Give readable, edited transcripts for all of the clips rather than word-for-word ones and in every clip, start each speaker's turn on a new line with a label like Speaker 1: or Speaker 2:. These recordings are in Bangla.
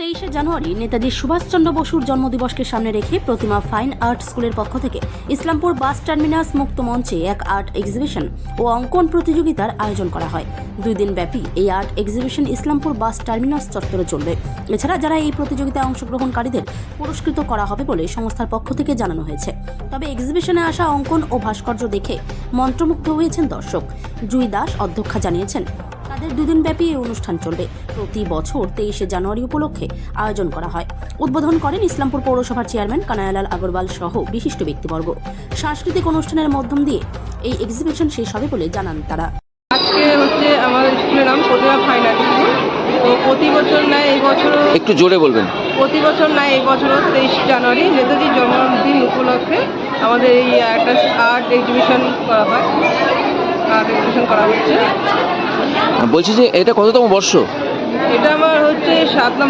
Speaker 1: 23শে জানুয়ারি নেতাজি সুভাষচন্দ্র বসুর জন্মদিবসকে সামনে রেখে প্রতিমা ফাইন আর্ট স্কুলের পক্ষ থেকে ইসলামপুর বাস টার্মিনাস মুক্ত মঞ্চে এক আর্ট এক্সিবিশন ও অঙ্কন প্রতিযোগিতার আয়োজন করা হয়। 2 দিন ব্যাপী এই art exhibition Islampur bus terminus চত্বরে চলবে। এছাড়া যারা এই প্রতিযোগিতায় অংশগ্রহণকারীদের পুরস্কৃত করা হবে বলে সংস্থার পক্ষ থেকে জানানো হয়েছে। তবে এক্সিবিশনে আসা অঙ্কন ও ভাস্কর্য দেখে মন্ত্রমুগ্ধ হয়েছেন দর্শক। জুই দাস অধ্যক্ষা জানিয়েছেন, তাদের 2 দিন ব্যাপী এই অনুষ্ঠান চলবে। প্রতি বছর 23শে জানুয়ারি উপলক্ষে আয়োজন করা হয়। উদ্বোধন করেন ইসলামপুর পৌরসভার চেয়ারম্যান কানায়ালাল আগরওয়াল সহ বিশিষ্ট ব্যক্তিবর্গ। সাংস্কৃতিক অনুষ্ঠানের মাধ্যম দিয়ে এই এক্সিবিশন শেষ হবে বলে জানান তারা।
Speaker 2: আজকে হচ্ছে আমাদের স্কুলের নাম প্রতিমা ফাইন আর্ট স্কুল। তো প্রতি বছর নয় এই বছরও,
Speaker 3: একটু জোরে বলবেন।
Speaker 2: প্রতি বছর নয় এই বছরও 23 জানুয়ারি নেতাজির জন্মদিন উপলক্ষে আমাদের এই একটা আর্ট এক্সিবিশন করা হয়। আর্ট এক্সিবিশন করা হচ্ছে।
Speaker 3: বলছি যে এটা কততম বর্ষ?
Speaker 2: এটা আমার হচ্ছে 7তম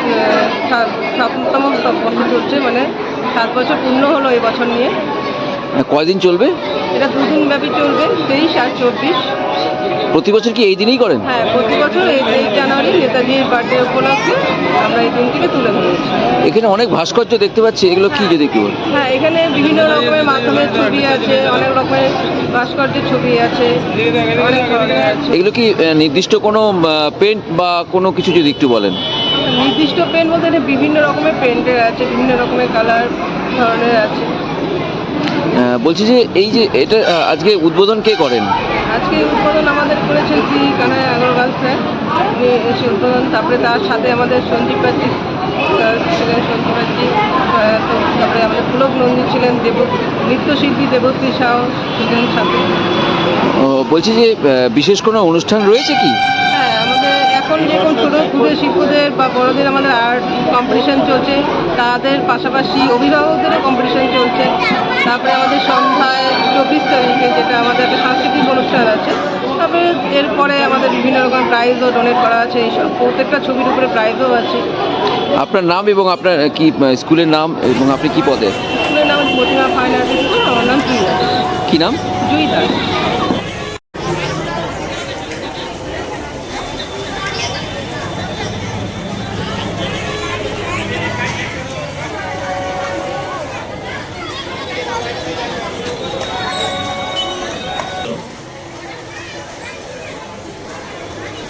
Speaker 2: বছর চলছে, মানে 7 বছর পূর্ণ হলো এই বছর নিয়ে।
Speaker 3: কয়দিন চলবে?
Speaker 2: এটা 2 দিন ব্যাপী চলবে, 23 আর 24।
Speaker 3: প্রতি বছর কি এই দিনেই করেন?
Speaker 2: হ্যাঁ, প্রতি বছর এই 23 জানুয়ারি নেতাজির বার্থডে উপলক্ষে আমরা এই দিনটিকে তুলে ধরেছি।
Speaker 3: এখানে অনেক ভাস্কর্য দেখতে পাচ্ছি, এগুলো কি যদি একটু বলেন?
Speaker 2: হ্যাঁ, এখানে বিভিন্ন রকমের মাধ্যমের ছবি আছে, অনেক রকমের ভাস্কর্যের ছবি আছে, অনেক ধরনের আছে।
Speaker 3: এগুলো কি নির্দিষ্ট কোনো পেন্ট বা কোনো কিছু যদি একটু বলেন?
Speaker 2: নির্দিষ্ট পেন্ট বলতে এটা বিভিন্ন রকমের পেন্টের আছে, বিভিন্ন রকমের কালার ধরনের আছে।
Speaker 3: বলছি যে এই যে এটা আজকে উদ্বোধন কে করেন?
Speaker 2: আজকে উদ্বোধন আমাদের করেছেন শ্রী কানাই আগরওয়াল স্যার, উনি এসে উদ্বোধন। তারপরে তার সাথে আমাদের সঞ্জীব বাগচি স্যার ছিলেন, সঞ্জীব বাগচি। তারপরে আমাদের পুলক নন্দী ছিলেন, নৃত্যশিল্পী দেবশ্রী সাউ ছিলেন সাথে।
Speaker 3: বলছি যে বিশেষ কোনো অনুষ্ঠান রয়েছে কি?
Speaker 2: হ্যাঁ, আমাদের এখন যেরকম ছোটো ক্ষুদ্র শিল্পদের বা বড়দের আমাদের আর্ট কম্পিটিশান চলছে, তাদের পাশাপাশি অভিভাবকদেরও কম্পিটিশান চলছে। তারপরে আমাদের সন্ধ্যায় 24 তারিখে যেটা আমাদের একটা সাংস্কৃতিক অনুষ্ঠান আছে। তারপরে এরপরে আমাদের বিভিন্ন রকম প্রাইজও ডোনেট করা আছে, এইসব প্রত্যেকটা ছবির উপরে প্রাইজও আছে।
Speaker 3: আপনার নাম এবং আপনার কি স্কুলের নাম এবং আপনি কি পদে?
Speaker 2: স্কুলের নাম প্রতিমা ফাইন আর্ট স্কুল, আমার নাম জুই দাস।
Speaker 3: কি নাম?
Speaker 2: জুই দাস।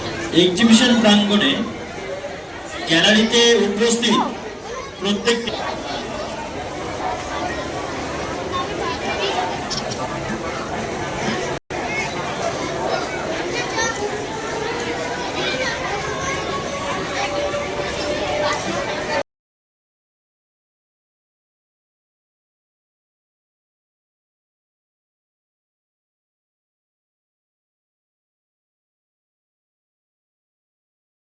Speaker 4: এক্সিবিশন প্রাঙ্গণে গ্যালারিতে উপস্থিত প্রত্যেকটি